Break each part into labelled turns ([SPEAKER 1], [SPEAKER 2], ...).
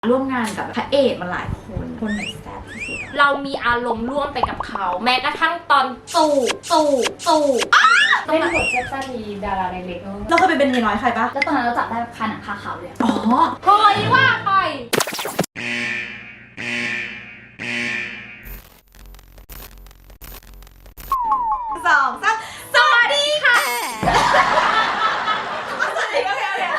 [SPEAKER 1] ร่วมงานกับพระเอกมาหลายคนไหนแซ่บที่สุด
[SPEAKER 2] เรามีอารมณ์ร่วมไปกับเขาแม้กระทั่งตอนตู่
[SPEAKER 3] เล่นบทแซ่บๆมีดาราเล็กๆ
[SPEAKER 1] เราเคยเป็นเมียน้อยใครปะ
[SPEAKER 3] แล้วตอนนั้นเราจับได้คาหนังคาเขาเลย
[SPEAKER 1] อ๋อ
[SPEAKER 2] เฮ้ยว่าไป
[SPEAKER 1] 2 3สวัสดีค่ะสวัสดีโอเค1 2 3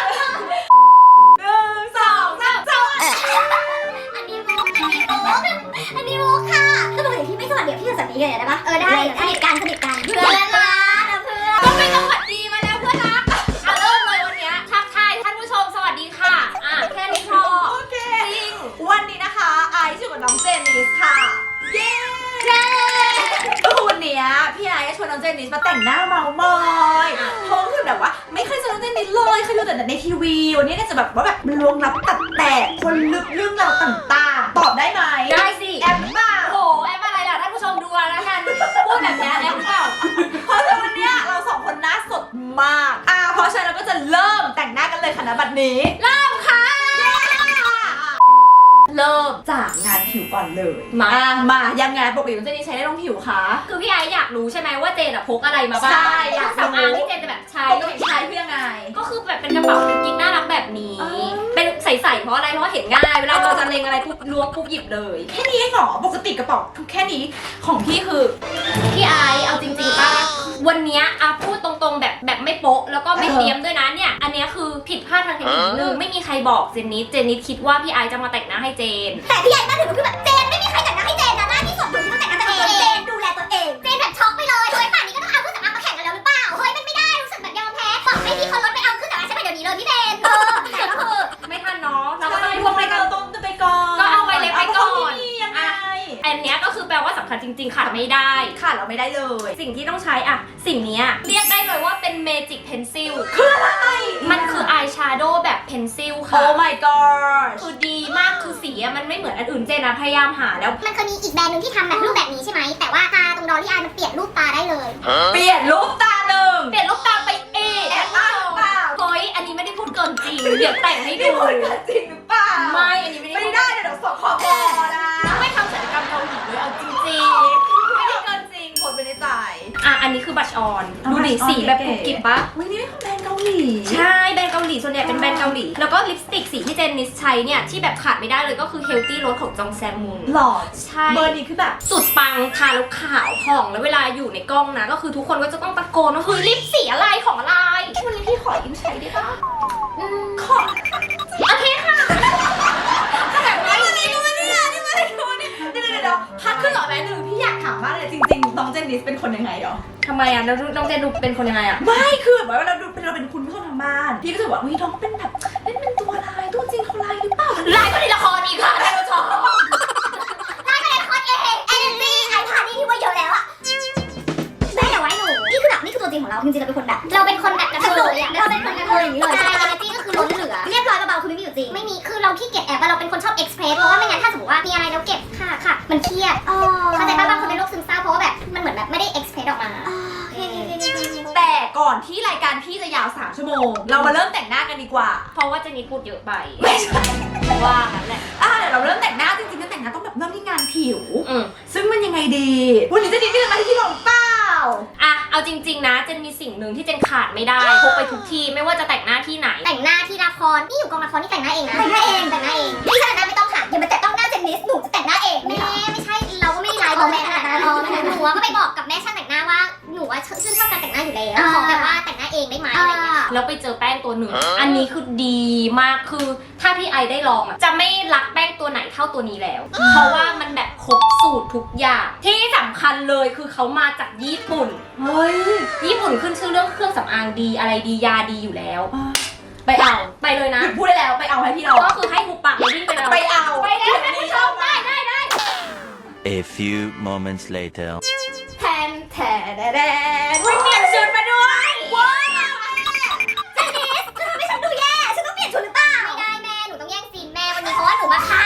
[SPEAKER 4] อันนี้มุกค่ะถ้าปกติพี่ไม่สวัสดีพี่จะสวัสดีกันได้ปะได้สนิทกันเพื่อนรักนะเพื่อน
[SPEAKER 2] ก็ไม่ต้องสวัสดีมาแล้วเพื่อนรักเริ่มเลยวันนี้ทักทายท่านผู้ชมสวัสดีค่ะแค่นี้พอ
[SPEAKER 1] โอเค
[SPEAKER 2] จริง
[SPEAKER 1] วันนี้นะคะไอซ์อยู่กับน้องเจนนิสค่ะเย้ก็คือวันนี้พี่ไอซ์ชวนน้องเจนนิสมาแต่งหน้าเมามอยเพราะคือแบบว่าไม่เคยเจอน้องเจนนิสเลยเคยดูแต่ในทีวีวันนี้เนี่ยจะแบบว่าแบบมันล้วงลับตัดแตกคนลึกเรื่องราวต่างๆตอบได้ไหม
[SPEAKER 2] ได้สิ
[SPEAKER 1] แอปบ้า
[SPEAKER 2] โอ้แอปอะไรล่ะท่านผู้ชมดูแล้วกันพูดแบบนี้แอปเปล่า
[SPEAKER 1] เพราะฉะนั้นวันนี้เราสองคนหน้าสดมากเพราะฉะนั้นเราก็จะเริ่มแต่งหน้ากันเลยค่ะณบัดนี้
[SPEAKER 2] เริ่มค่ะเริ่ม
[SPEAKER 1] จากงานผิวก่อนเลย
[SPEAKER 2] มา
[SPEAKER 1] ยังไงปกติมันจะนี่ใช้ได้ลงผิวคะ
[SPEAKER 2] คือพี่ไออยากรู้ใช่ไหมว่าเจนพกอะไรมาบ้าง
[SPEAKER 1] ใช่อยาก
[SPEAKER 2] สำอางที่เจนจะแบบใช้
[SPEAKER 1] เพื่อยังไง
[SPEAKER 2] ก็คือแบบเป็นกระเป๋ากิ๊กน่ารักแบบนี้เป็นใส่เพราะอะไรเพราะว่าเห็นง่ายเวลาเราจะเล็งอะไรปุ๊บล้วงปุ๊บหยิบเลย
[SPEAKER 1] แค่นี้เองเหรอปกติกระเป๋าแค่นี้ของพี่คือ
[SPEAKER 2] พี่ไอเอาจริงๆป่ะวันนี้พูดตรงๆแบบไม่โป๊ะแล้วก็ไม่เตรียมด้วยนะเนี่ยอันนี้คือผิดพลาดทางเทคนิคนึงไม่มีใครบอกเจนนิสคิดว่าพี่ไอจะมาแต่งหน้าให้เจน
[SPEAKER 4] แต่พี่ไอมาถึงคือแบบเจนไม่มีใครแต่งหน้าให้เจนนะหน้าที่สดอยู่ที่ต้องแต่งหน้าตัวเองเจนดูแลตัวเองเจนแบบช็อกไปเลยเฮ้ยป่านนี้ก็ต้องเอาเครื่องสำอางมาแข่งกันแล้วหรือเปล่าเฮ้ยมันไม่ได้รู้สึกแบบยอมแพ้บอกให้พี่คนรถไปเอาเครื่องสำอางใช่ไหมเดี๋ยวนี้เลยพี่เจน
[SPEAKER 2] แต่ก็คือไม่ทันเนาะเราก็ต้อง
[SPEAKER 1] พวกไปก่อนต้นไปก่อน
[SPEAKER 2] ก็เอาไปเลยไปก่อน
[SPEAKER 1] ยังไง
[SPEAKER 2] อันนี้ก็คือแปลว่าสำคัญจริงๆขาดไม่ได้
[SPEAKER 1] ขาดเราไม่ได้เลย
[SPEAKER 2] สิ่งที่ต้องใช้สิ่งนี้เรียกได้เลยว่าเป็นเมจิกเพนซิล
[SPEAKER 1] คืออะไร
[SPEAKER 2] มันคืออายแชโดว์แบบเพนซิลค่ะ
[SPEAKER 1] Oh my god
[SPEAKER 2] คือดีมากคือสีมันไม่เหมือนอันอื่นเจนพยายามหาแล้ว
[SPEAKER 4] มันเคยมีอีกแบรนด์นึงที่ทำแบบรูปแบบนี้ใช่ไหมแต่ว่าตาตรงดอลลี่อายมันเปลี่ยนรูปตาได้เลย
[SPEAKER 1] เปลี่ยนรูปตาหนึ่ง
[SPEAKER 2] เปลี่ยนรูปตาไป
[SPEAKER 1] แอบอ้างเปล่า
[SPEAKER 2] เฮ้ยอันนี้ไม่ได้พูดเกินจริงเดี๋ยวแต่งให้ดู
[SPEAKER 1] พูดเกินจริงหรือเปล่า
[SPEAKER 2] ไม่อันนี้
[SPEAKER 1] ไม่ได้เดี๋ยวสอบคอนะ
[SPEAKER 2] ไม่ทำศัลยกรรมเกาหลีเลยเอาจริง
[SPEAKER 1] ไม่ได้เกินจริงคนไม่ได้จ่าย
[SPEAKER 2] อันนี้คือบัชออนดูดิสีแบบกรุบกริบปะ
[SPEAKER 1] วันนี้ไม่ของแบรนด์เกาหลี
[SPEAKER 2] ใช่แบรนด์เกาหลีส่วนใหญ่เป็นแบรนด์เกาหลีแล้วก็ลิปสติกสีที่เจนนิสใช้เนี่ยที่แบบขาดไม่ได้เลยก็คือ Healthy Rose ของจองแซมมุน
[SPEAKER 1] หล่อ
[SPEAKER 2] ใช่
[SPEAKER 1] เบอร์นี้คือแบบ
[SPEAKER 2] สุดปังทาแล้วขาวผ่องแล้วเวลาอยู่ในกล้องนะก็คือทุกคนก็จะต้องตะโกนว่าเฮ้ยลิปสีอะไรของอะไร
[SPEAKER 1] วันนี้พี่ขอยืมใช้ได้ปะขอ
[SPEAKER 2] โอเคค่ะ
[SPEAKER 1] เดี๋ยวพักขึ้นหน่อยไหมหนึ่งพี่อยากถามมากเลยจริงๆน้องเจนนิสเป็นคนยังไงเหรอ
[SPEAKER 2] ทำไมแล้วน้องเจนดูเป็นคนยังไง
[SPEAKER 1] ไม่คือแบบว่าเราเป็นคุณผู้ชมทางบ้านพี่ก็จะบอกว่าน้องเป็นแบบเล่นเป็นตัวลายตัวจริงเขาลายหรือเปล่า
[SPEAKER 2] ลายก็ในละครอีกค่ะท่านผู้ชม
[SPEAKER 4] ลายก็ในละครเองเอเนจี้ไอพานี่ที่ว่าเยอะแล้วอะแม่อย่าไว้หนูนี่คือแบบนี่คือตัวจริงของเราจริงๆเราเป็นคนแบบกระเทยอะเราเป็นคนกระเทยอย่างนี้เลยใช่เอเนจี้ก็คือล้นเหลือเรียบร้อยเบาๆคือไม่มีอยู่จริงไม่มีคือเราขี้เกียจแอบว่าเราเป็นคนชอบเอ็กซ์เพรสเพราะว่าไม่งั้นถ้าสมมติว่ามีอะไรแล้วเก็บค่ะมันเครียดเข้าใจป่ะบางคนเป็นโรคซึมเศร้าเพราะว่าแบบมันเหมือนแบบไม่ได้เอ็กซ์เพรสออกมา
[SPEAKER 1] แต่ก่อนที่รายการพี่จะยาว3 ชั่วโมงเรามาเริ่มแต่งหน้ากันดีกว่า
[SPEAKER 2] เพราะว่าเจนนี่พูดเยอะไป
[SPEAKER 1] ไม่ใช่
[SPEAKER 2] ว่างั้นแหละ
[SPEAKER 1] เดี๋ยวเราเริ่มแต่งหน้าจริงๆก็แต่งหน้าต้องแบบเริ่มที่งานผิวซึ่งมันยังไงดีวันนี้เจนนี่จะมาที่ลงเปล่า
[SPEAKER 2] เอาจริงๆนะเจนมีสิ่งหนึ่งที่เจนขาดไม่ได้พกไปทุกที่ไม่ว่าจะแต่งหน้าที่ไหน
[SPEAKER 4] แต่งหน้าที่ละครนี่อยู่กองละครนี่แต่งหน้าเองนะแต่งหน้าเองพี่แต่งหน้าไม่ต้องค่ะอย่ามาแต่ต้องหน้าเจนนิสหนูจะแต่งหน้าเองแม่ไม่ใช่เราก็ไม่ได้ไลฟ์แม่ขนาดนั้นหนูก็ไปบอกกับแม่ช่างแต่งหน้าว่าหนูว่าชื่นชอบการแต่งหน้าอยู่แล้วขอแบบว่าแต่งหน้าเองได้ไหมอะไรเงี้ย
[SPEAKER 2] แล้วไปเจอแป้งตัวหนึ่งอันนี้คือดีมากคือถ้าพี่ไอได้ลองจะไม่รักแป้งตัวไหนเท่าตัวนี้แล้วเพราะว่ามันแบบครบสูตรทุกอย่างที่สำคัญเลยคือเขามาจากญี่ปุ่น
[SPEAKER 1] เฮ้ย
[SPEAKER 2] ญี่ปุ่นขึ้นชื่อเรื่องเครื่องสำอางดีอะไรดียาดีอยู่แล้วไปเลยนะ
[SPEAKER 1] พูดได้แล้วไปเอาให้พี่เรา
[SPEAKER 2] ก็คือให้หุบปากวิ่งไปแล้ว
[SPEAKER 1] ไปเอา
[SPEAKER 2] ไปแล้วท่านผู้ชมได้
[SPEAKER 5] A few moments later
[SPEAKER 1] แทนวิ่งเปลี่ยนชุดมาด้วย
[SPEAKER 4] ว้าวเจนนิสจะทำให้ฉันดูแย่ฉันต้องเปลี่ยนชุดหรือเปล่าไม่ได้แม่หนูต้องแย่งซีนแม่วันนี้เพราะว่าหนูมาค่ะ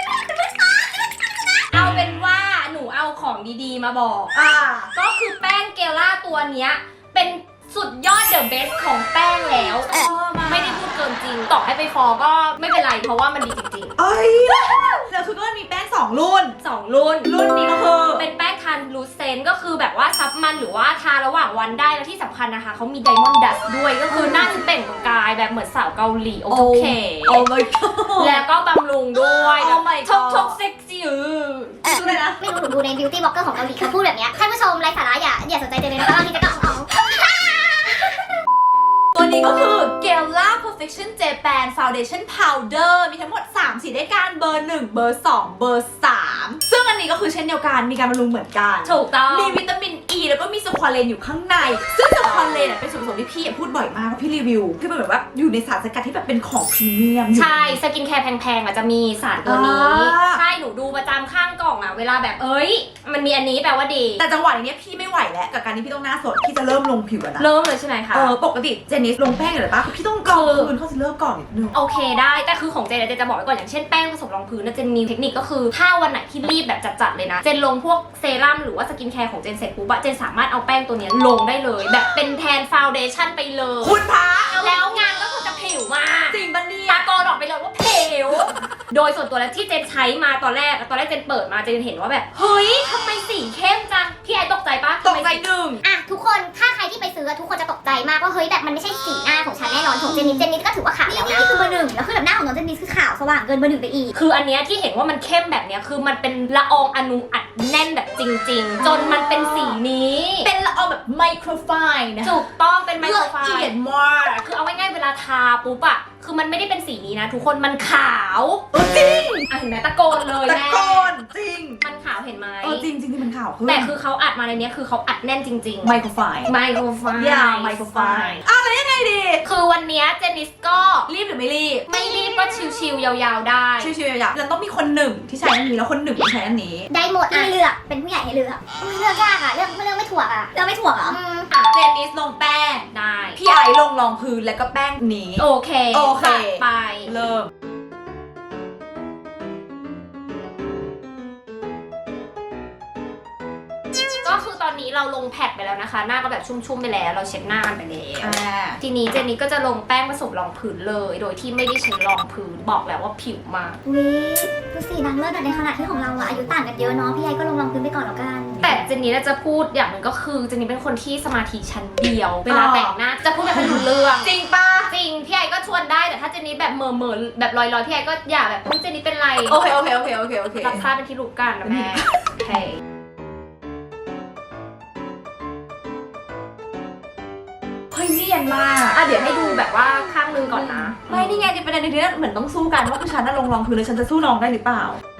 [SPEAKER 2] เอาเป็นว่าหนูเอาของดีๆมาบอกก็คือแป้งเกล่าตัวเนี้ยเป็นสุดยอดเดอะเบสของแป้งแล้วไม่ได้พูดเกินจริงต่อให้ไปฟอก็ไม่เป็นไรเพราะว่ามันดีจริง
[SPEAKER 1] เอ้ยแล้วคือก็มีแป้ง2รุ่น
[SPEAKER 2] ๆ2รุ่น
[SPEAKER 1] รุ่นนี้ก็คือ
[SPEAKER 2] เป็นแป้งทานลูเซนก็คือแบบว่าซับมันหรือว่าทาระหว่างวันได้แล้วที่สำคัญนะคะเขามีไดมอนด์ดัสด้วยก็คือหน้าจะเปล่งประกายแบบเหมือนสาวเกาหลีโอเค
[SPEAKER 1] โอ้ my god
[SPEAKER 2] แล้วก็บำรุงด้วย
[SPEAKER 1] Oh my
[SPEAKER 2] ชก
[SPEAKER 1] god
[SPEAKER 2] ชกเซ็กซี่
[SPEAKER 1] ดูเลยนะ
[SPEAKER 4] ไม่รู้หนูดูใน beauty blogger ของเกาหลีเขาพูดแบบเนี้ยท่านผู้ชมไร้สาระอย่าสนใจเจนเลยนะคะบางทีจะก็เอา
[SPEAKER 1] ตัวนี้ก็คือ Gela Perfection Japan Foundation Powder มีทั้งหมด3สีด้วยกันเบอร์ 1 เบอร์ 2 เบอร์ 3 ซึ่งอันนี้ก็คือเช่นเดียวกันมีการบำรุงเหมือนกัน
[SPEAKER 2] ถูกต้อง
[SPEAKER 1] มีวิตามินอ e แล้วก็มีสควอเลนอยู่ข้างใน ซึ่งสควอเลนเป็นส่วนผสมที่พี่พูดบ่อยมากพี่รีวิวคือมันแบบว่าอยู่ในสารสกัดที่แบบเป็นของพรีเมียม
[SPEAKER 2] ใช่สกินแคร์แพงๆอ่ะจะมีสารตัวนี้
[SPEAKER 1] อ่า
[SPEAKER 2] ใช่หนูดูประจำข้างกล่องอ่ะเวลาแบบมันมีอันนี้แปลว่าดี
[SPEAKER 1] แต่จังหวะนี้พี่ไม่ไหวแล้วกับการที่พี่ต้องหน้าสดพี่จะเริ่มลงผิวแล้วนะ
[SPEAKER 2] เริ่มเลยใช่ไหมคะ
[SPEAKER 1] ปกติเจนนิสลงแป้งอยู่เลยปะพี่ต้องกรองคืนเข้าซิลเลอร์ก่อนนิดนึง
[SPEAKER 2] โอเคได้แต่คือของเจนจะบอกไว้ก่อนอย่างเช่นแป้งผสมรองพื้นนะเจนมีเทคนิคก็คือถ้าวันไหนที่รีบแบบจัดๆเลยนะเจนลงพวกเซรั่มหรือว่าสกินแคร์ของเจนเสร็จปุ๊บอะเจนสามารถเอาแป้งตัวเนี้ยลงได้เลย แบบเป็นแทนฟาวเดชั่นไปเลย
[SPEAKER 1] คุณพระ
[SPEAKER 2] แล้วงานก็คือจะผิวมาก
[SPEAKER 1] จริงปะเนี่ย
[SPEAKER 2] ตาโกนออกไปเลยว่าผิว โดยส่วนตัวแล้วที่เจนใช้มาตอนแรกเจนเปิดมาเจนเห็นว่าแบบเฮ้ยทำไมสีเข้มจังพี่ไอตกใจปะ
[SPEAKER 1] ตกใจหนึ่ง
[SPEAKER 4] อ่ะทุกคนถ้าใครที่ไปซื้อทุกคนจะตกใจมากว่าเฮ้ยแบบมันไม่ใช่สีหน้าของฉันแน่นอนของเจนนิสก็ถือว่าขาวแล้วนะนี่คือเบอร์ 1แล้วคือแบบหน้าของน้องเจนนิสคือขาวสว่างเกินเบอร์ 1ไปอีก
[SPEAKER 2] คืออันเนี้ยที่เห็นว่ามันเข้มแบบเนี้ยคือมันเป็นละอองอนุอัดแน่นแบบจริง ๆ จนมันเป็นสีนี้
[SPEAKER 1] เป็นละอองแบบไมโครไฟน์นะ
[SPEAKER 2] ถูกต้องเป็นไมโครไฟ
[SPEAKER 1] ละเอียด
[SPEAKER 2] ล์
[SPEAKER 1] มาก
[SPEAKER 2] คือเอาง่ายๆเวลาทาปุ๊บอะคือมันไม่ได้เป็นสีนี้นะทุกคนมันขาว
[SPEAKER 1] จริง
[SPEAKER 2] อ่ะเห็นไหมตะโกนเลย
[SPEAKER 1] ตะ
[SPEAKER 2] แม่
[SPEAKER 1] โกนจริง
[SPEAKER 2] มันขาวเห็นไหม
[SPEAKER 1] จริงที่มันข่าวขึ้น
[SPEAKER 2] แต่คือเขาอัดมาในเนี้ยคือเขาอัดแน่นจริงๆ
[SPEAKER 1] ไมโครไฟน์
[SPEAKER 2] ไมโครไฟล์
[SPEAKER 1] ยาวไมโครไฟน์แล้วยังไงดี
[SPEAKER 2] คือวันเนี้ยเจนนิสก็
[SPEAKER 1] รีบหรือไม่รีบ
[SPEAKER 2] ไม่รีบก็ชิวๆยาวๆได้
[SPEAKER 1] ชิวๆอย่างแล้วต้องมีคนหนึ่งที่ใช้อันนี้แล้วคนหนึ่งที่ใช้อันนี้
[SPEAKER 4] ได้หมดให้เลือกเป็นผู้ใหญ่ให้เลือกเลือกยากอ่ะเลือกไม่ถูกอ่ะเลือกไม่ถูกเหรอ
[SPEAKER 1] เจนนิสลงแป้ง
[SPEAKER 2] ได้
[SPEAKER 1] พี่ไอลงรองพื้นแล้วก็แป้งนี้
[SPEAKER 2] โอเค
[SPEAKER 1] โอเค
[SPEAKER 2] จัดไป
[SPEAKER 1] เริ่ม
[SPEAKER 2] ก็คือตอนนี้เราลงแพดไปแล้วนะคะ หน้าก็แบบชุ่มๆไปแล้วเราเช็ดหน้ากันไปแล้ว ทีนี้เจนนี่ก็จะลงแป้งผสมรองพื้นเลย โดยที่ไม่ได้ใช้รองพื้นบอกแล้วว่าผิวมาก
[SPEAKER 4] อุ้ยดูสินางเลิศแต่ในขณะที่ของเราอะอายุต่างกันเยอะเนาะพี่ไอก็ลงรองพื้นไปก่อนแล้วกัน
[SPEAKER 2] แต่เจนนี่จะพูดอย่างหนึ่งก็คือเจนนี่เป็นคนที่สมาธิชั้นเดียว เวลาแต่งหน้าจะพูดแบบไม่รู้เรื่อง
[SPEAKER 1] จริงปะ
[SPEAKER 2] จริงพี่ไอก็ชวนได้แต่ถ้าเจนนี่แบบเมอๆแบบลอยๆพี่ไอก็อย่าแบบเจนนี่เป็นไร
[SPEAKER 1] โอเค
[SPEAKER 2] รับทราบเป็นที่รู้กันนะแม่โอเค
[SPEAKER 1] เฮ้ยเนียนมาก
[SPEAKER 2] เดี๋ยวให้ดูแบบว่าข้างนึงก่อนนะ
[SPEAKER 1] ไม่นี่ไงประเด็นในที่นี้เหมือนต้องสู้กันว่าคือฉันน่ะลงรองพื้นแล้วฉันจะสู้น้องได้หรือเปล่า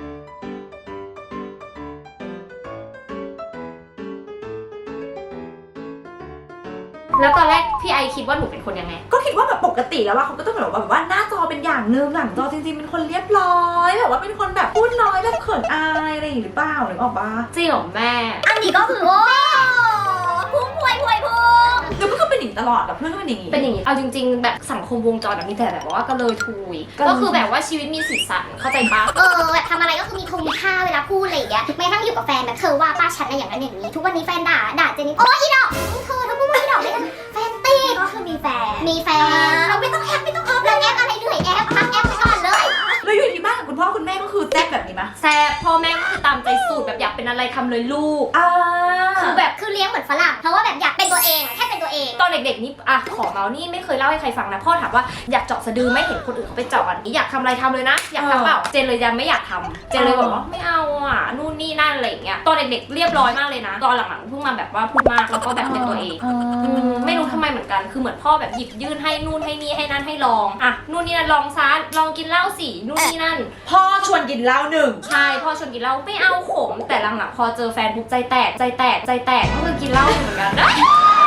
[SPEAKER 2] แล้วตอนแรกพี่ไอคิดว่าหนูเป็นคนยังไง
[SPEAKER 1] ก็คิดว่าแบบปกติแล้วว่าเขาก็ต้องแบบว่าหน้าจอเป็นอย่างนึงหลังจอจริงๆเป็นคนเรียบร้อยแบบว่าเป็นคนแบบพูดน้อยแบบเขินอายอะไรอย่างนี้หรือเปล่าหรือเปล่าปะ
[SPEAKER 2] จริงเหรอแม่
[SPEAKER 4] อันนี้ก็คือโอ้พุ่งพวยพุ่ง
[SPEAKER 1] หรือเพื่อนก็เป็นอย่างนี้ตลอดแบบเพื่อนก็เป็นอย่างนี้
[SPEAKER 2] เป็นอย่างนี้ เอาจริง ๆ แบบสังคมวงจรแบบนี้แต่แบบว่าก็เลยทุย ก็คือแบบว่าชีวิตมีสีสันเข้าใจปะ
[SPEAKER 4] แบบทำอะไรก็คือมีค่าเวลาพูดอะไรอย่างเงี้ยแม้ทั้งอยู่กับแฟนแบบเธอว่าป้าฉันอะไรอย่างนั้นอย่างนี้ทุกวันนี้แฟนด่าเจนนี่โอ้ยอีดอกเธอพูดว่าอีดอกเลยแฟนตีก็คือมีแฟนเราไม่ต้องแอปไม่ต้องเราแอปอะไรเหนื่อยแอปพักแอปไปก่อนเลย
[SPEAKER 1] แล้วอยู่ที่บ้านกับคุณพ่อคุณแม่ก็คือแซ่บแบบนี้มะ
[SPEAKER 2] แซ่บพ่อแม่ก็คือตามใจสูตรแบบอยากเป็นอะไรทำเลยลูก
[SPEAKER 1] คือ
[SPEAKER 2] แบบ
[SPEAKER 4] คือเลี้ยงเหมือนฝรั่งเพราะว่าแบบอยากเป็นตัวเองแค่เป็นตัวเอง
[SPEAKER 2] ตอนเด็กๆนี่ขอเมาส์นี่ไม่เคยเล่าให้ใครฟังนะพ่อถามว่าอยากเจาะสะดือไม่เห็นคนอื่นเขาไปเจาะอันนี้อยากทำอะไรทำเลยนะอยากทำเปล่าเจนเลยยังไม่อยากทำเจนเลยบอกว่าไม่เอานู่นนี่นั่นอะไรอย่างเงี้ยตอนเด็กๆเรียบร้อยมากเลยนะตอนหลังๆเพิ่งมาแบบว่าพูดมากแล้วก็แบบเป็นตัวเองไม่รู้ทำไมเหมือนกันคือเหมือนพ่อแบบหยิบยื่นให้นู่นให้นี่ให้นั่นให้ลองนู่นนี่นั่นลองซะลองกินเหล้าสินู่นนี่นั่น
[SPEAKER 1] พ่อชวนกินเหล้าหนึ่ง
[SPEAKER 2] ใช่พ่อชวนกินเหล้าไม่เอาขมแต่หลังๆพอเจอแฟนปุ๊บใจแตกก็คือกินเหล้าเหมือนกันนะ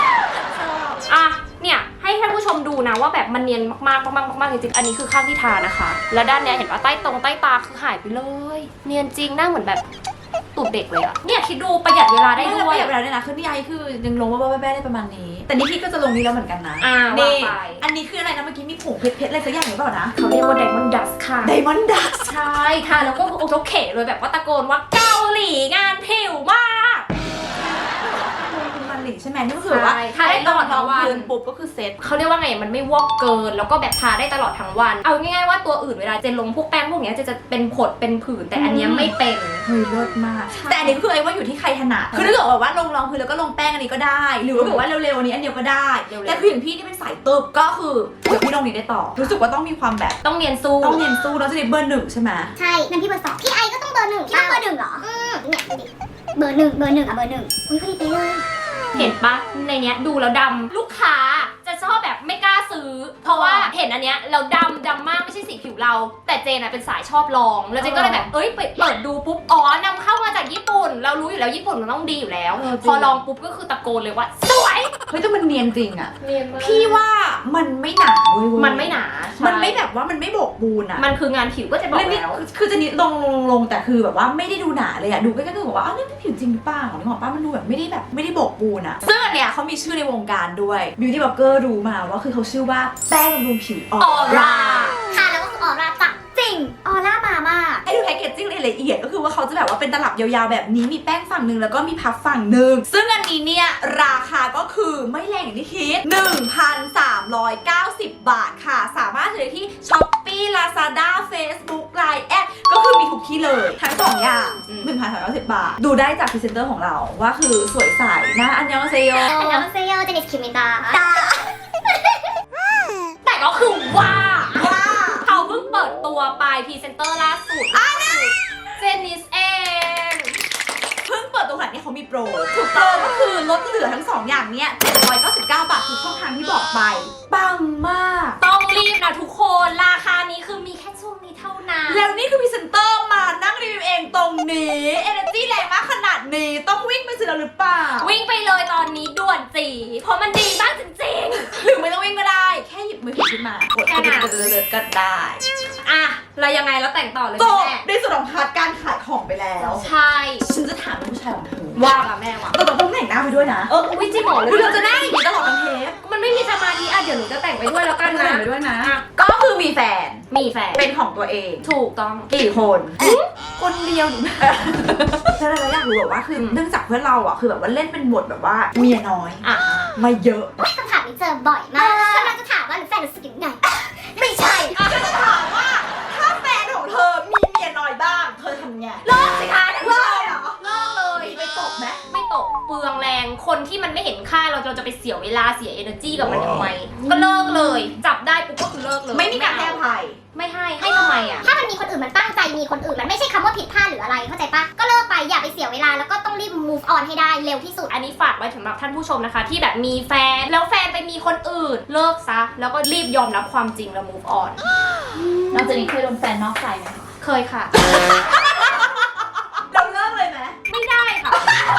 [SPEAKER 2] เนี่ยให้ท่านผู้ชมดูนะว่าแบบมันเนียนมากๆจริงๆอันนี้คือข้างที่ทานะคะ แล้วด้านเนี้ยเห็นว่าใต้ตาคือหายไปเลยเนียนจริงหน้าเหมือนแบบตูดเด็กเลยอะเนี่ยคิดดูประหยัดเวลาได้
[SPEAKER 1] ไม่
[SPEAKER 2] ด้
[SPEAKER 1] ได้
[SPEAKER 2] วย
[SPEAKER 1] ประหยัดเวลาด้วยนะคือพี่ไอคือยังลงว่าแบ้ได้ประมาณนี้ แต่นี่พี่ก็จะลงนี้แล้วเหมือนกันนะ
[SPEAKER 2] ว่า
[SPEAKER 1] นี่
[SPEAKER 2] ไป
[SPEAKER 1] อันนี้คืออะไรนะเมื่อกี้มีผงเพชรอะไรสักอย่างหรือเปล่านะ
[SPEAKER 2] เขาเรียกว่าไดมอนด์ดัสค่ะ
[SPEAKER 1] ไดมอนด์ดัส
[SPEAKER 2] ใช่ทาแล้วก็โอเคเลยแบบว่าตะโกนว่าเกาหลีงานผิวมาก
[SPEAKER 1] ลงทุนมาเลอะไรใช่ไหมนี่ก็คือแบบว่า
[SPEAKER 2] ใช่ทาได้ตลอดทั้งวัน
[SPEAKER 1] พื้นปุ๊บก็คือเซ็ต
[SPEAKER 2] เขาเรียกว่าไงมันไม่วอกเกินแล้วก็แบบทาได้ตลอดทั้งวันเอาง่ายๆว่าตัวอื่นเวลาเจนลงพวกแป้งพวกเนี้ยจะเป็นผดเป็นผื่นแต่อันเนี้ยไม่เป็น
[SPEAKER 1] เฮ้ยเลิศมากแต่อันนี้คือไอ้ว่าอยู่ที่ใครถนัดคือถ้าเกิดแบบว่าลงรองพื้นแล้วก็ลงแป้งอันนี้ก็ได้ หรือว่าแบบว่าเร็วๆอันนี้อันเดียวก็ได้แต่คืออย่างพี่ที่เป็นสายตึบก็คือเดี๋ยวพี่ลงนี้ได้ต่อรู้สึกว่าต้องมีความแบบ
[SPEAKER 2] ต้องเนียนสู้
[SPEAKER 1] ต้องเน้นสู้แล้วจะได้เบอร์ 1ใช่ไหม
[SPEAKER 4] ใช่งั้นพี่เบอร์ 2พี่ไอก็ต้องเบอร์ 1พี่ต้องเบอร์ 1เหรอเนี่ยดูดิเบอร์ 1เบอร์ 1อ่ะเบอร์ 1อุ้ยพอดีไปเลย
[SPEAKER 2] เห็นปะในเนี้ยดูแล้วดำลูกค้าจะชอบแบบไม่กล้าซื้อ เพราะว่าเห็นอันเนี้ยเราดำมากไม่ใช่สีผิวเรา แต่เจนอะเป็นสายชอบลองแล้วเจนก็เลยแบบเอ้ยเปิดดูปุ๊บอ๋อนำเข้ามาจากญี่ปุ่น เรารู้อยู่แล้วญี่ปุ่นมันต้องดีอยู่แล้ว พอลองปุ๊บก็คือตะโกนเลยว่าสวย
[SPEAKER 1] เฮ้ยแต่มันเนียนจริงอะ
[SPEAKER 2] เนียนมาก
[SPEAKER 1] พี่ว่ามันไม่หนาด้วยเว้ย
[SPEAKER 2] มันไม่หนา
[SPEAKER 1] มันไม่แบบว่ามันไม่โบกบูนอะ
[SPEAKER 2] มันคืองานผิวก็จะบอก
[SPEAKER 1] แล้วนี่
[SPEAKER 2] แล้ว
[SPEAKER 1] คือจะนิดลงแต่คือแบบว่าไม่ได้ดูหนาเลยอะดูใกล้ๆก็คือบอกว่าอ้าวนี่ผิวจริงหรือเปล่านึกออกปะมันดูแบบไม่ได้โบกบูนอะซึ่งอันเนี้ยเขามีชื่อในวงการด้วย Beauty Blogger รู้มาว่าคือเขาชื่อว่าแป้งบำรุงผิวออร่า
[SPEAKER 4] ค่ะแล้วก็คือออร่าจัดจริงออร่ามามาก
[SPEAKER 1] ให้ดูแพคเกจจิ้งละเอียดก็คือว่าเขาจะแบบว่าเป็นตลับยาวๆแบบนี้มีแป้งฝั่งหนึ่งแล้วก็มีพับฝั่งหนึ่งซึ่งอันนี้เนี่ยราคาก็คือไม่แรงอย่างที่คิด 1,390 บาทค่ะสามารถซื้อได้ที่ Shopee Lazada Facebook Line แอดก็คือมีทุกที่เลยทั้งสองอย่าง 1,390 บาทดูได้จากพรีเซนเตอร์ของเราว่าคือสวยใสนะอันยองเซโย
[SPEAKER 4] อันยองเซโยเจนิสคิมิตา
[SPEAKER 2] แต่ก็คือว่าเขาเพิ่งเปิดตัวไปพรีเซนเตอร์ล่าสุดเจนนิสเอง
[SPEAKER 1] เพิ่งเปิดตัวขนาดนี้เขามีโปรถูกโปรก็คือลดเหลือทั้ง 2 อย่างเนี้ย799 บาททุกช่องทางที่บอกไปปังมาก
[SPEAKER 2] ต้องรีบนะทุกคนราคานี้คือมีแค่ช่วงนี้เท่านั้น
[SPEAKER 1] แล้วนี่คือพรีเซนเตอร์มานั่งรีวิวเองตรงนี้ Energy แรงมากขนาดนี้ต้องวิ่งไปซื้อแล้วหรือเปล่า
[SPEAKER 2] วิ่งไปเลยตอนนี้ด่วนจีเพราะมันดีมากจริง
[SPEAKER 1] หรือไม่ต้องวิ่งก็ได้ แค่หยิบมือถือขึ้นมากดก็ได้
[SPEAKER 2] ๆอ่ะแล้วยังไงแล้วแต่งต่อเลย
[SPEAKER 1] จบ
[SPEAKER 2] แม่
[SPEAKER 1] ในส่วนของพาร์ทการขายของไปแล้ว
[SPEAKER 2] ใช่
[SPEAKER 1] ฉันจะถามผู้ชายของเธอ
[SPEAKER 2] ว่ากับแม่ว่ะ
[SPEAKER 1] แต่ต้องแต่งหน้าไปด้วยนะ
[SPEAKER 2] วิจิหมอเลย
[SPEAKER 1] คือเราจะได้อย่างนี้ตลอดทั้งเทป
[SPEAKER 2] มันไม่มีสมาธิอ่ะเดี๋ยวหนูจะแต่งไปด้วยแล้วกันนะ
[SPEAKER 1] แต่งไปด้วยนะ ก็คือมีแฟน
[SPEAKER 2] มีแฟน
[SPEAKER 1] เป็นของตัวเอง
[SPEAKER 2] ถูกต้อง
[SPEAKER 1] กี่คนคนเดียวหรือแล้วเราอยากรู้แบบว่าคือเนื่องจากเพื่อนเราอ่ะคือแบบว่าเล่นเป็นบทแบบว่าเมียน้อย
[SPEAKER 2] อ่ะ
[SPEAKER 1] มาเยอะ
[SPEAKER 4] คำถามนี้เจอบ่อยมากกำลังจะถามว่าหรือแฟนรู้สึกยังไงไม่ใช่
[SPEAKER 1] จะถามว่าถ้าแฟนของเธอมีเมียน้อยบ้าง เธอทำไง
[SPEAKER 2] เลิกสิคะ
[SPEAKER 1] เลิกเหรอ
[SPEAKER 2] เลิกเลย
[SPEAKER 1] มีไปตกไหม
[SPEAKER 2] ไม่ตกเปลืองแรงคนที่มันไม่เห็นค่าเราจะไปเสียเวลาเสีย energy กับมันทำไมก็เลิกเลย จับได้ปุ๊บก็คือเลิกเลย
[SPEAKER 1] ไม่มีการให้อภัย
[SPEAKER 2] ไม่ให้ทำไมอ่ะ
[SPEAKER 4] ถ้ามันมีคนอื่นมันตั้งใจมีคนอื่นมันไม่ใช่คำว่าผิดพลาดหรืออะไรเข้าใจปะก็เลิกไปอย่าไปเสียเวลาแล้วก็ต้องรีบ move on ให้ได้เร็วที่สุด
[SPEAKER 2] อันนี้ฝากไว้สำหรับท่านผู้ชมนะคะ ที่แบบมีแฟนแล้วแฟนไปมีคนอื่น เลิกซะแล้วก็รีบยอมรับความจริงแล้ว move on
[SPEAKER 3] นอกจากนี้เคยโดนแฟนนอกใจไหมคะ
[SPEAKER 2] เคยค่ะ
[SPEAKER 1] เราเลิกเลยไหม
[SPEAKER 2] ไม่ได้ค่ะ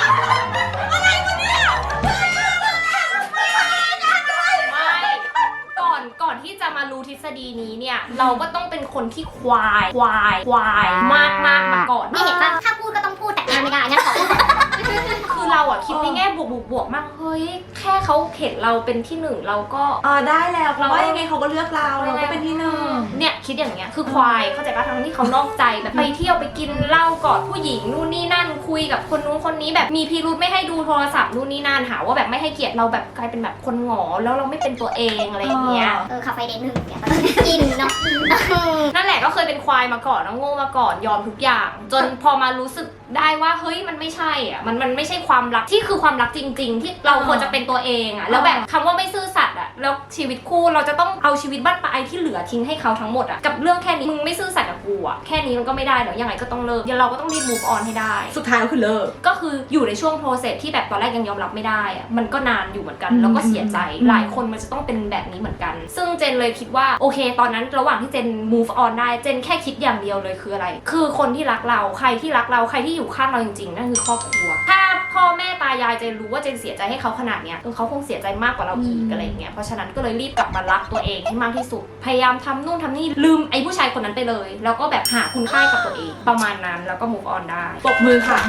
[SPEAKER 2] ไม่ก่อนที่จะมารู้ทฤษฎีนี้เนี่ย เราก็ต้องเป็นคนที่ควายมากมาก่อน
[SPEAKER 4] นี่เห็นปะถ้าพูดก็ต้องพูดแต่งานไม่ได้งั้นขอพูด
[SPEAKER 2] คือเราอะคิดในแง่บวกมากเฮ้ยแค่เขาเห็นเราเป็นที่หนึ่งเราก็
[SPEAKER 1] ได้แล้วเพราะว่ายังไงเขาก็เลือกเราเราก็เป็นที่หนึ่ง
[SPEAKER 2] เนี่ยคิดอย่างเงี้ยคือควายเข้าใจปะทั้งที่เขานอกใจแบบไปเที่ยวไปกินเหล้ากอดผู้หญิงนู่นนี่นั่นคุยกับคนนู้นคนนี้แบบมีพิรุธไม่ให้ดูโทรศัพท์นู่นนี่นั่นหาว่าแบบไม่ให้เกียรติเราแบบกลายเป็นแบบคนหงอแล้วเราไม่เป็นตัวเองอะไรอย่างเงี้ย
[SPEAKER 4] ขับไฟเดนหนึ่งเนี่ยกินเนาะ
[SPEAKER 2] นั่นแหละก็เคยเป็นควายมาก่อนแล้วโง่มาก่อนยอมทุกอย่าง จนพอมารู้สึกได้ว่าเฮ้ยมันไม่ใช่อ่ะมันไม่ใช่ความรักที่คือความรักจริง ๆ ที่เราควรจะเป็นตัวเองอ่ะแล้วแบบคำว่าไม่ซื่อสัตย์อ่ะแล้วชีวิตคู่เราจะต้องเอาชีวิตบ้านปลายที่เหลือทิ้งให้เขาทั้งหมดอ่ะกับเรื่องแค่นี้มึงไม่ซื่อสัตย์กับกูอ่ะแค่นี้มันก็ไม่ได้เดี๋ยวยังไงก็ต้องเลิกเราก็ต้องรีบ move on ให้ได้
[SPEAKER 1] สุดท้ายก็คือเลิก
[SPEAKER 2] ก็คืออยู่ในช่วง process ที่แบบตอนแรกยังยอมรับไม่ได้อ่ะมันก็นานอยู่เหมือนกันแล้วก็เสียใจหลายคนมันจะต้องเป็นแบบนี้เหมือนกันซึ่งเจนเลยคิดว่าโอเคตอนนั้นระหว่างที่เจน move on ได้เจนแค่คิดอย่างเดียวเลยคืออะไรคือคนที่รักเราใครที่รักเราใครที่อยู่ข้างเราจริงๆนั่นคือครอบครัวถ้าพ่อแม่ตายายเจนรู้ว่าเจนเสียใจให้เขาขนาดเนี้ยเขาคงเสียใจมากกว่าเราอีกอะไรอย่างเงี้ยเพราะฉะนั้นก็เลยรีบกลับมารักตัวเองให้มากที่สุดพยายามทำนู่นทำนี่ลืมไอ้ผู้ชายคนนั้นไปเลยแล้วก็แบบหาคุณค่ากับตัวเองประมาณนั้นแล้วก็ move on ได้
[SPEAKER 1] ปรบมือค่ะ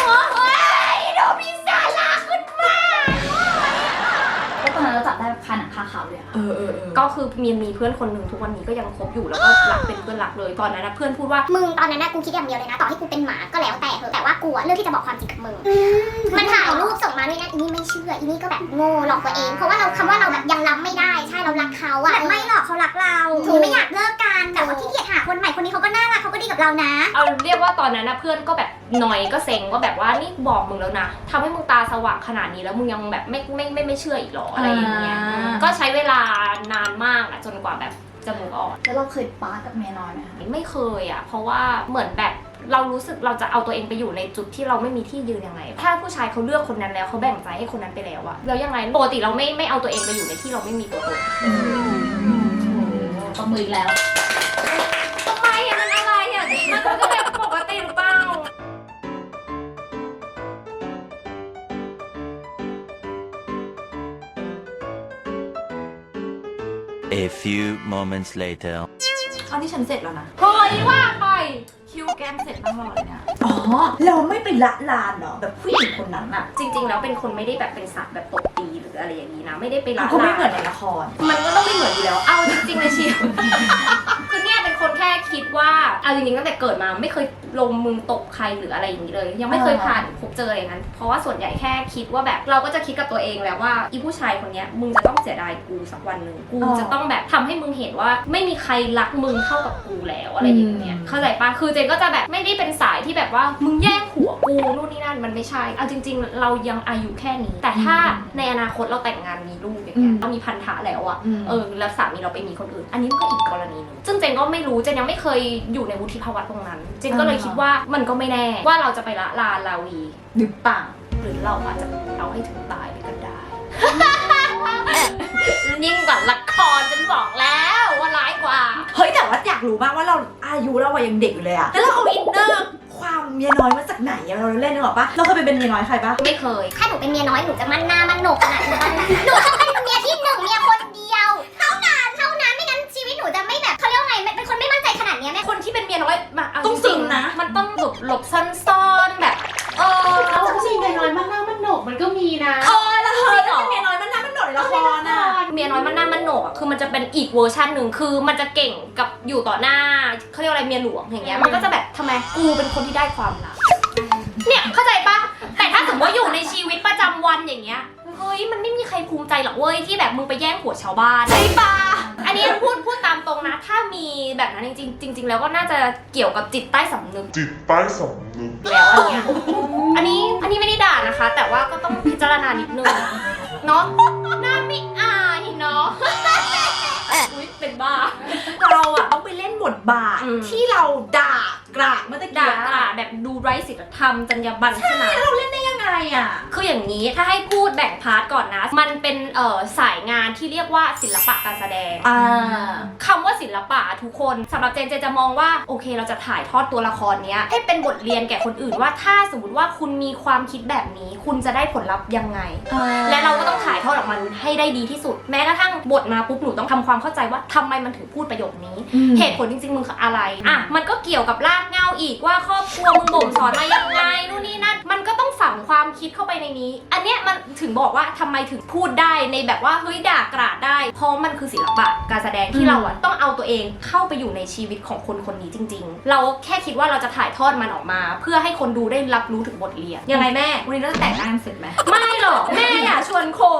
[SPEAKER 3] ก็ตอนนั้นเราจับได้คาหนังคาาขาวเลยอะ
[SPEAKER 2] ก็คือมีเพื่อนคนหนึ่งทุกวันนี้ก็ยังคบอยู่แล้วก็รักเป็นเพื่อนรักเลยตอนนั้นนะเพื่อนพูดว่า
[SPEAKER 4] มึงตอนนั้นนะกูคิดอย่างเดียวเลยนะต่อให้กูเป็นหมาก็แล้วแต่เถอะแต่ว่ากูอะเลือกที่จะบอกความจริงกับมึงมันถ่ายรูปส่งมาด้วยนะอีนี่ไม่เชื่ออีนี่ก็แบบโง่หลอกตัวเองเพราะว่าเราคำว่าเราแบบยังรับไม่ได้ใช่เรารักเขาอะไม่หรอกเขารักเราถึงไม่อยากเลิกกันแต่ว่าขี้เกียจหาคนใหม่คนนี้เขาก็น่ารักเขาก็ดีกับเรานะ
[SPEAKER 2] เอาเรียกว่าตอนนั้นนะเพื่อนก็แบบหน่อยก็เซ็งว่าแบบว่านี่บอกมึงแล้วนะทำให้มึงตาสว่างขนาดนี้แล้วมึงยังแบบไม่เชื่ออีกหรออะไรอย่างเงี้ยก็ใช้เวลานานมากอะจนกว่าแบบจะมูฟออน
[SPEAKER 3] แล้วเราเคยป้ากับเมียน้อยไหมคะ
[SPEAKER 2] ไม่เคยอะเพราะว่าเหมือนแบบเรารู้สึกเราจะเอาตัวเองไปอยู่ในจุดที่เราไม่มีที่ยืนยังไงถ้าผู้ชายเขาเลือกคนนั้นแล้วเขาแบ่งใจให้คนนั้นไปแล้วอะแล้วยังไงปกติเราไม่เอาตัวเองไปอยู่ในที่เราไม่มีตัวตน
[SPEAKER 3] ประมืออีกแล้ว
[SPEAKER 2] ทำไมอะมันอะไรอะมันก็แบบปกติหรือเปล่า
[SPEAKER 5] A few moments later.
[SPEAKER 1] ตอนที่ฉันเสร็จแล้วนะ
[SPEAKER 2] เฮ้ยว่าไป
[SPEAKER 1] คิวแก้มเสร็จตั้งรอเลยเนี่ยอ๋อเราไม่ไปละลานเหรอแบบผู้หญิงคนนั้นอะ
[SPEAKER 2] จริงๆแล้วเป็นคนไม่ได้แบบเป็นสัตว์แบบตบตีหรืออะไรอย่างนี้นะไม่ได้ไปละ
[SPEAKER 1] เขาไม่
[SPEAKER 2] ลาน
[SPEAKER 1] เหมือนในละคร
[SPEAKER 2] มันก็ต้องไม่เหมือนอยู่แล้วเอาจริงๆเลยชีว คือเนี่ยเป็นคนแค่คิดว่าเอาจริงๆตั้งแต่เกิดมาไม่เคยลงมือตบใครหรืออะไรอย่างนี้เลย ยังไม่เคยผ่านพบเจออะไรอย่างนั้นเพราะว่าส่วนใหญ่แค่คิดว่าแบบเราก็จะคิดกับตัวเองแล้วว่าอีผู้ชายคนเนี้ยมึงจะต้องเสียดายกูสักวันหนึ่งกูจะต้องแบบทำให้มึงเห็นว่าไม่มีใครรักมึงเท่ากับกูแล้วอะไรอย่างเงี้ยเข้าใจปะคือเจนก็จะแบบไม่ได้เป็นสายที่แบบว่ามึงแย่งผัวกูนู่นนี่นั่นมันไม่ใช่เอาจริงๆเรายังอายุแค่นี้ แต่ถ้าในอนาคตเราแต่งงานมีลูกอย่างเงี้ยเรามีพันธะแล้วอะแล้วสามีเราไปมีคนอื่น อันนี้มันก็อีกกรณีนึงซึ่งเจนก็ไม่รู้เจนยังไม่เคยอยู่ในวุฒิภาวะตรงนั้น เจนก็เลยคิดว่ามันก็ไม่แน่ว่าเราจะไปละลานลาวี
[SPEAKER 1] หรือเปล่า
[SPEAKER 2] หรือเราอาจจะเอาให้ถึงตายไปก็ได้ ยิ่งกว่าละครฉันบอกแล้วว่าร้ายกว่า
[SPEAKER 1] เฮ้ยแต่ว่าอยากรู้มากว่าเราอายุเรายังเด็กอยู่เลยอะแล้วเราเอาอินเนอร์ความเมียน้อยมาจากไหนอะเราเล่นนึกออกปะเราเคยเป็นเมียน้อยใครปะ
[SPEAKER 2] ไม่เคย
[SPEAKER 4] ถ้าหนูเป็นเมียน้อยหนูจะมั่นหน้ามั่นโหนกขนาดนี้หนูต้องเป็นเมียที่หนึ่งเมียคนเดียวเท่านั้นไม่งั้นชีวิตหนูจะไม่แบบเขาเรียกว่าไงเป็นคนไม่มั่นใจขนาดนี้แม่
[SPEAKER 2] คนที่เป็นเมียน้อยมาเอา
[SPEAKER 1] ต้อง
[SPEAKER 2] จ
[SPEAKER 1] ซึ
[SPEAKER 2] ริง
[SPEAKER 1] ม
[SPEAKER 2] ๆ
[SPEAKER 1] นะ
[SPEAKER 2] มันต้องหลบซ่อนๆแบบ
[SPEAKER 3] เอาจริงๆเมียน้อยมากหน้ามันโหนกมันก็มีนะ
[SPEAKER 1] แล้วเธอแล้วเป็นเมียน้อยมันน่ามันโดดในละครอะ
[SPEAKER 2] เมียน้อยมันหน้ามันโหนกอะคือมันจะเป็นอีกเวอร์ชันหนึ่งคือมันจะเก่งกับอยู่ต่อหน้าเขาเรียกอะไรเมียหลวงอย่างเงี้ยมันก็จะแบบทำไมกูเป็นคนที่ได้ความรักเนี่ยเข้าใจปะแต่ถ้าสมมติว่าอยู่ในชีวิตประจำวันอย่างเงี้ยเฮ้ยมันไม่มีใครภูมิใจหรอกเว้ยที่แบบมึงไปแย่งผัวชาวบ้านใช่ปะอันนี้พูดตามตรงนะถ้ามีแบบนั้นจริงๆแล้วก็น่าจะเกี่ยวกับจิตใต้สำนึก
[SPEAKER 6] จิตใต้สำนึก
[SPEAKER 2] แล้วอันนี้ไม่ได้ด่านะคะ แต่ว่าก็ต้องพิจารณานิดนึงเนาะหน้าไม่อายเนาะอุ๊ยเป็นบ้า
[SPEAKER 1] เราอะต้องไปเล่นบทบาท
[SPEAKER 2] อืม
[SPEAKER 1] ที่เราด่ากราดเมื่อตะ
[SPEAKER 2] ด่า
[SPEAKER 1] กี้
[SPEAKER 2] กราดแบบดูไร้ศีลธรรมจรรยาบรรณขนาด
[SPEAKER 1] เราเล่นได้ยังไงอะ
[SPEAKER 2] คืออย่างนี้ถ้าให้พูดแบ่งพาร์ทก่อนนะ มันเป็นสายงานที่เรียกว่าศิลปะการแสดงคำว่าศิลปะทุกคนสำหรับเจนจะมองว่าโอเคเราจะถ่ายทอดตัวละครเนี้ยให้เป็นบทเรียนแก่คนอื่นว่าถ้าสมมติว่าคุณมีความคิดแบบนี้คุณจะได้ผลลัพธ์ยังไง และเราก็ต้องถ่ายทอดออกมาให้ได้ดีที่สุด แม้กระทั่งบทมาปุ๊บหนูต้องทำความเข้าใจว่าทำไมมันถึงพูดประโยคนี้ เหตุผลจริงๆมึงคืออะไรอ่ะมันก็เกี่ยวกับรากเหง้าอีกว่าครอบครัวมึงบ่มสอนมายังไงนู่นนี่นั่นมันก็ต้องฝังความคิดเข้าไปในนี้ อันเนี้ยมันถึงบอกว่าทำไมถึงพูดได้ในแบบว่าเฮ้ยด่ากราดได้ เพราะมันคือศิลปะการแสดงที่เราอ่ะต้องเอาตัวเองเข้าไปอยู่ในชีวิตของคนคนนี้จริง ๆ เราแค่คิดว่าเราจะถ่ายทอดมันออกมา เพื่อให้คนดูได้รับรู้ถึงบทเรียนยังไงแม่
[SPEAKER 1] วันนี้เราแต่งหน้าเสร็จไหม
[SPEAKER 2] ไม่หรอกแม่อย่าชวนโคน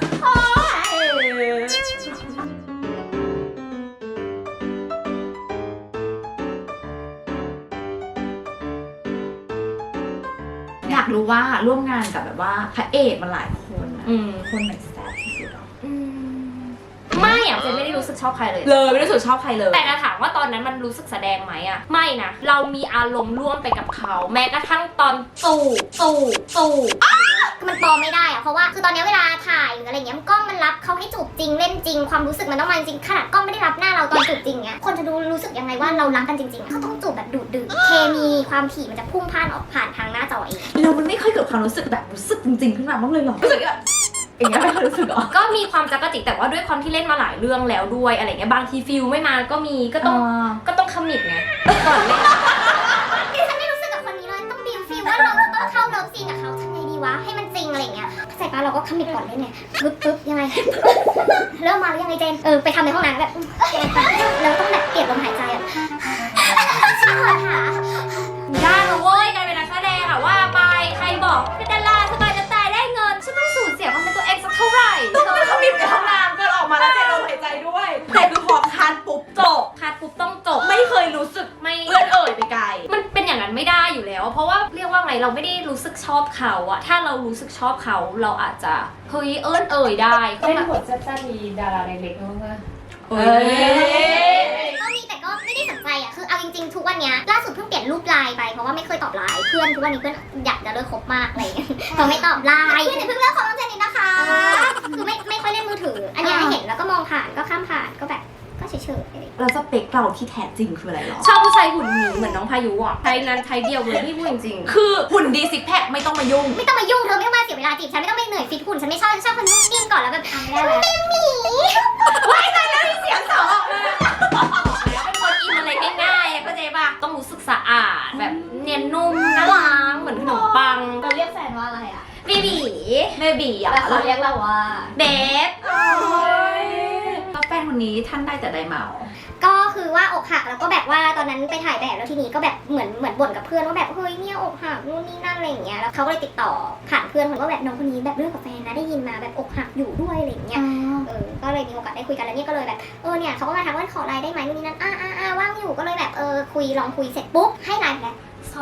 [SPEAKER 1] อยากรู้ว่าร่วมงานกับแบบว่าพระเอกมันหลายคนอะคนไหนแซ่บที่สุดอะ
[SPEAKER 2] ไม่อะเจนไม่ได้รู้สึกชอบใครเลย
[SPEAKER 1] ไม่รู้สึกชอบใครเลย
[SPEAKER 2] แต่จะถามว่าตอนนั้นมันรู้สึกแสดงไหมอะไม่นะเรามีอารมณ์ร่วมไปกับเขาแม้กระทั่งตอนสู่
[SPEAKER 4] คือมันปลอมไม่ได้อะเพราะว่าคือตอนนี้เวลาถ่ายหรืออะไรเงี้ยกล้องมันรับเขาให้จูบจริงเล่นจริงความรู้สึกมันต้องมาจริงขนาดกล้องไม่ได้รับหน้าเราตอนจูบจริงเงี้ยคนจะดูรู้สึกยังไงว่าเรารักกันจริงๆเขาต้องจูบแบบดูดดื่มเคมีความถี่มันจะพุ่งพ่านออกผ่านทางหน้าจอเอง
[SPEAKER 1] เรามันไม่เคยเกิดความรู้สึกแบบรู้สึกจริงๆขึ้นมาบ้างเลยหรอรู้สึกแบบอย่างเงี้ยไม่เคยรู้สึกหรอ
[SPEAKER 2] ก็มีความจักรจิกแต่ว่าด้วยความที่เล่นมาหลายเรื่องแล้วด้วยอะไรเงี้ยบางทีฟิลไม่มาก็มีก็ต้องคอมมิตไงก่อนเล่น
[SPEAKER 4] ดิฉันไม่รู้สึกกับคนนี้เลยต้องบิวฟีลว่าเราจะต้องเข้าเลิฟซีนกับเขาทำไงดีวะให้มันจริงอะไรเงี้ยเข้าใจปปะเราก็ขมิบก่อนเล่นไงปึ๊บยังไง เริ่มมาหรือยังไงเจนไปทำในห้องน้ำแบบเราต้องแบบเปลี่ยนลมหายใจอ่ะช่วยค่ะ
[SPEAKER 2] ได้นะเว้ยการเป็นนักแสดงอะว่าไปใครบอกเป็นดาราสบายจะตายได้เงินฉันต้องสูญเสียความเป็นตัวเองสักเท่าไหร่
[SPEAKER 1] ต้องไปขมิบในห้องน้ำกันออกมาแล้วเจนลมหายใจด้วยแต่คือพอคันปุ๊บจบ
[SPEAKER 2] คัดปุ๊บต้องจบ
[SPEAKER 1] ไม่เคยรู้สึก
[SPEAKER 2] ไม่
[SPEAKER 1] เอื้อนเอ่ยไปไกล
[SPEAKER 2] มันเป็นอย่างนั้นไม่ได้อยู่แล้ว เพราะว่าเรียกว่าไงเราไม่ได้รู้สึกชอบเขาอะถ้าเรารู้สึกชอบเขาเราอาจจะเฮ้ยเอิ้นเอ่ยได้ก็
[SPEAKER 3] เล่น
[SPEAKER 2] แบบ
[SPEAKER 3] บทแซ่บๆมีดาราเล็กๆบ้างไหม
[SPEAKER 1] เฮ้ย
[SPEAKER 4] ก็มีแต่ก็ไม่ได้สนใจอ่ะคือเอาจริงๆทุกวันเนี้ยล่าสุดเพิ่งเปลี่ยนรูปไลน์ไปเพราะว่าไม่เคยตอบไลน์เพื่อนทุกวันนี้เพื่อนอยากจะเลิกคบมากอะไรอย่างเงี้ยเขาไม่ตอบไลน์เพิ่งเลิกคบน้องเจนนี่นะคะคือไม่ค่อยเล่นมือถือ อันเนี้ยเห็นแล้วก็มองผ่านก็ข้ามผ่านก็แบบก็เฉยๆอะไร
[SPEAKER 1] แล้วสเปคเราที่แท้จริงคืออะไรหรอ
[SPEAKER 2] ชอบผู้ชายหุ่นหมีเหมือนน้องพายุอะไทยนั้นไทยเดียวเลยพี่พูดจริงๆ
[SPEAKER 1] คือหุ่นดีซิกแพคไม่ต้องมายุ่ง
[SPEAKER 4] ไม่ต้องมายุ่งเธอไม่ต้องมาเสียเวลาจีบฉันไม่ต้องไปเหนื่อยฟิตหุ่นฉันไม่ชอบฉันชอบคนนุ่มนิ่มก่อนแล้วแบบทำไม่ได้เลยหมี
[SPEAKER 1] เสียงสองออกมา
[SPEAKER 2] เป็นคนกินอะไรง่ายๆเข้าใจป่ะต้องรู้สึกสะอาดแบบเนียนนุ่มน่ารักเหมือนขนมปัง
[SPEAKER 3] เราเรียกแฟนว่าอะไรอ่ะ
[SPEAKER 2] เบบี
[SPEAKER 1] เบบีอ่ะ
[SPEAKER 3] แต่เขาเรียกเราว่า
[SPEAKER 2] เบฟ
[SPEAKER 1] แล้วแฟนคนนี้ท่านได้แต่ใดเมา
[SPEAKER 4] ก็คือว่าอกหักแล้วก็แบบว่าตอนนั้นไปถ่ายแบบแล้วทีนี้ก็แบบเหมือนบ่นกับเพื่อนว่าแบบเฮ้ยเนี่ยอกหักนู่นนี่นั่นอะไรอย่างเงี้ยแล้วเขาก็เลยติดต่อผ่านเพื่อนคนว่าแบบน้องคนนี้แบบเลิกกับแฟนนะได้ยินมาแบบอกหักอยู่ด้วยอะไรอย่างเงี้ยก็เลยมีโอกาสได้คุยกันแล้วเนี่ยก็เลยแบบเนี่ยเขาก็มาทักว่าขอไลน์ได้ไหมนู่นนี่นั่นว่างอยู่ก็เลยแบบคุยลองคุยเสร็จปุ๊บให้ไลน์แล้ว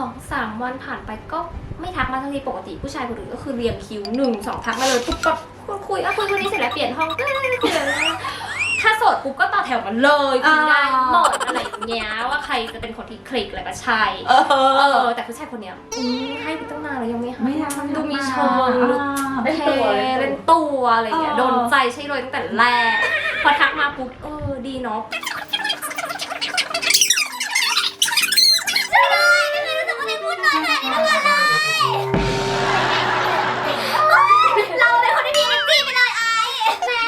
[SPEAKER 2] 2-3 วันผ่านไปก็ไม่ทักมาทันทีปกติผู้ชายคนอื่นก็คือเรียงคิว1-2ทักมาเลยปุ๊บปั๊บคุยคนนี้เสร็จแล้วเปลี่ยนห้องคุยเลยถ้าโสดปุ๊บก็ต่อแถวกันเลยคุยได้หมดอะไรอย่างเงี้ยว่าใครจะเป็นคนที่คลิกอะไรก็ใช่ แต่ผู้ชายคนเนี้ยให้ไปตั้งนานแล้วยังไม่ให้
[SPEAKER 1] ไม่ได้
[SPEAKER 2] ดูมีเชิงดูเท่เล่นตัวอะไรอย่างเงี้ยโดนใจใช่เลยตั้งแต่แรกพอทักมาปุ๊บดีเนาะ
[SPEAKER 4] เราเป็นคนที่มีเอเนอร์จี้ไปเลยไอ้แม่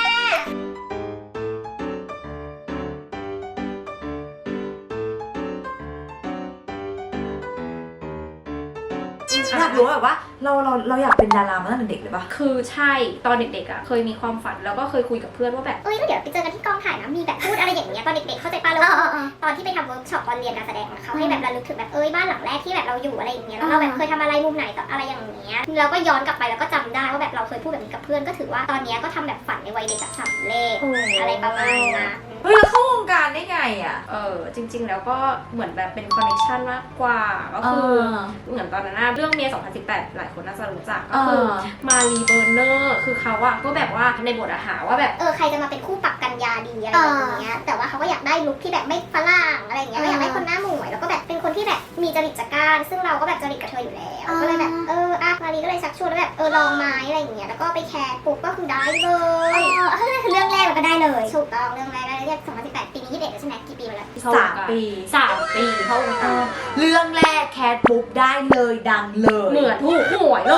[SPEAKER 1] อยากรู้แบบว่าเราอยากเป็นดารามาตั้งแต่เด็กเลยปะ
[SPEAKER 2] คือใช่ตอนเด็กๆอ่ะเคยมีความฝันแล้วก็เคยคุยกับเพื่อนว่าแบบ
[SPEAKER 4] ก็เดี๋ยวไปเจอกันที่กองถ่ายนะมีแบบพูดอะไรอย่างเงี้ยตอนเด็กๆเข้าใจป่ะแล้วตอนที่ไปทำเวิร์กช็อปตอนเรียนการแสดงเขาให้แบบระลึกถึงแบบบ้านหลังแรกที่แบบเราอยู่อะไรอย่างเงี้ยแล้วเราแบบเคยทำอะไรมุมไหนต่ออะไรอย่างเงี้ยเราก็ย้อนกลับไปแล้วก็จำได้ว่าแบบเราเคยพูดแบบนี้กับเพื่อนก็ถือว่าตอนเนี้ยก็ทำแบบฝันในวัยเด็กแบบสำเร็จอะไรประมาณนั้น
[SPEAKER 1] เฮ้ยแล้วเข้าวงการได้ไงอ่ะ
[SPEAKER 2] จริงๆแล้วก็เหมือนแบบเป็นคอนเนคชั่นมากกว่าก็คือเหมือนตอนนั้นเรื่องเมีย2018หลายคนน่าจะรู้จักก็คือมารีเบอร์เนอร์คือเขาอะก็แบบว่าในบทอาหารว่าแบบ
[SPEAKER 4] ใครจะมาเป็นคู่ปรับกันยาดีอะไรอย่างเงี้ยแต่ว่าเขาก็อยากได้ลุคที่แบบไม่ฝรั่งอะไรอย่างเงี้ยก็อยากได้คนหน้าหมวยแล้วก็แบบเป็นคนที่แบบมีจริตจักรซึ่งเราก็แบบจริตกับเธออยู่แล้วก็เลยแบบมารีก็เลยชักชวนแล้วแบบลองไม้อะไรอย่างเงี้ยแล้วก็ไปแคสปุ๊บก็คือได้เลยคือเรื่องแรกเราก็ได้เลยถูกต้องเรื่องแรกได้เลย2018ปีนี้21แล้วใช่ไหมกี่ปีมาแล้ว
[SPEAKER 1] 3 ปี
[SPEAKER 2] 3 ปีเข้าวงการ
[SPEAKER 1] เรื่องแรกแคทปุ๊บได้เลยดังเลย
[SPEAKER 2] เหมือนถูกหวยเลย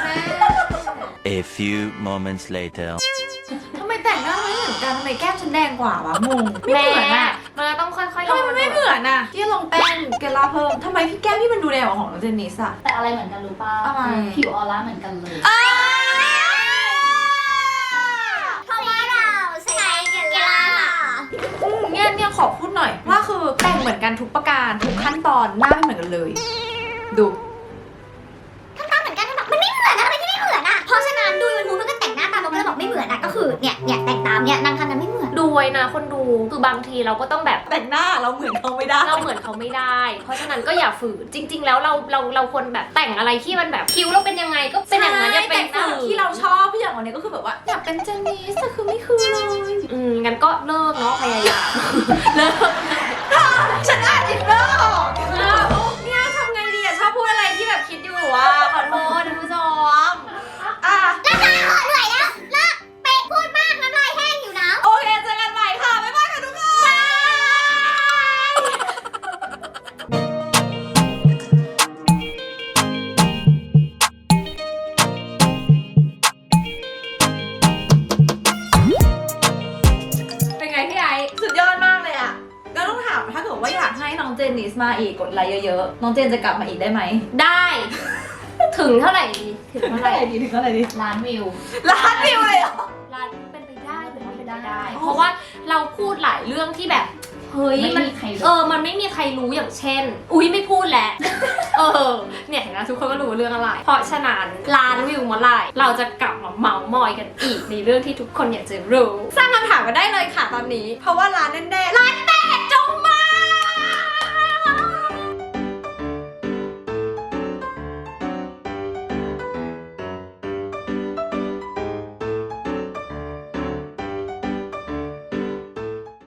[SPEAKER 5] A few moments later.
[SPEAKER 1] ทำไมแต่งหน้าไม่เหมือนกันทำไมแก้มฉันแดงกว่าวะงงไม่
[SPEAKER 2] แม่
[SPEAKER 1] เหมือนอ่ะ
[SPEAKER 2] มันต้องค่อยๆ
[SPEAKER 1] ทำไมมันไม่เหมือนอ่ะที่ลงแป้งเกลาเพิ่มทำไมพี่แก้มพี่มันดูแดงกว่าของน้องเจนนิสอ่ะ
[SPEAKER 3] แต่อะไรเหมือนกันรู้ป่ะ
[SPEAKER 1] อะไร
[SPEAKER 3] ผิวออร่าเหมือนกันเลย
[SPEAKER 4] เพราะว่าเราใช้เกล่า
[SPEAKER 1] เนี่ยขอพูดหน่อยว่าคือแต่งเหมือนกันทุกประการทุกขั้นตอนหน้าไม่เหมือนกันเลย ดู
[SPEAKER 4] ทำตามเหมือนกันมันไม่เหมือนนะทำไมที่ไม่เหมือนอ่ะเพราะฉะนั้นดูยูทูบมันก็แต่งหน้าตามเราก็เลยบอกไม่เหมือนอ่ะก็คือเนี่ยแต่งตามเนี่ยนางทำกันไม่เหมือน
[SPEAKER 2] ดูไว้นะคนดูคือบางทีเราก็ต้องแบบ
[SPEAKER 1] แต่งหน้าเราเหมือนเขาไม่ได้
[SPEAKER 2] เราเหมือนเขาไม่ได้ เพราะฉะนั้นก็อย่าฝืนจริง ๆ แล้วเราควรแบบแต่งอะไรที่มันแบบคิ้วเราเป็นยังไงก็เป็นอย่างนั้นอย่าเป็น
[SPEAKER 1] แต่งหน้าที่เราชอบพี่อย่างวันนี้ก็คือแบบว่าอยากเป็นเจนนิสแต่คือไม่คือเลย
[SPEAKER 2] งั้นก็เลิกเนาะพยายาม
[SPEAKER 1] เลิกฉันอ่านอินเนอร์ออกเนี่ยทำไงดีอะชอบพูดอะไรที่แบบคิดอยู่อะขอโทษท่านผู้ชมอ่ะ
[SPEAKER 4] เหนื่อยแล้วเลิกเป๊ะพูดมากน้ำลายแห้งอยู่นะ
[SPEAKER 1] โอเคเจอกันใหม่ค่ะบ๊ายบายค่ะทุกคน
[SPEAKER 2] เป็นไงพี่ไอซ์
[SPEAKER 1] สุดยอดมากเลยอะก็ต้องถามถ้าเกิดว่าอยากให้น้องเจนนิสมาอีกกดไลค์เยอะๆน้องเจนจะกลับมาอีกได้ไหม
[SPEAKER 2] ได้ถึงเท่าไหร่ดีถึงเท่าไหร่
[SPEAKER 1] ดีถึงเท่าไหร่ดี
[SPEAKER 3] ล้านวิว
[SPEAKER 1] ล้านวิวเลยเหรอ
[SPEAKER 2] ร้านเป็นไปได้หรือไม่เป็นไปได้ เพราะว่าเราพูดหลายเรื่องที่แบบเฮ้ย
[SPEAKER 3] ไม่
[SPEAKER 2] มัน
[SPEAKER 3] มีใครรู้
[SPEAKER 2] มันไม่มีใครรู้อย่างเช่น อุ๊ยไม่พูดแหละ เนี่ยเห็นไหมทุกคนก็รู้เรื่องอะไร เพราะฉะนั้นล้านวิวเมื่อไหร่เราจะกลับมาเมาส์มอยกันอีกในเรื่องที่ทุกคนอยากจะรู้ สร้างคำถามกันได้เลยค่ะตอนนี้ เพราะว่าร้านแน่ๆร้านแตกจง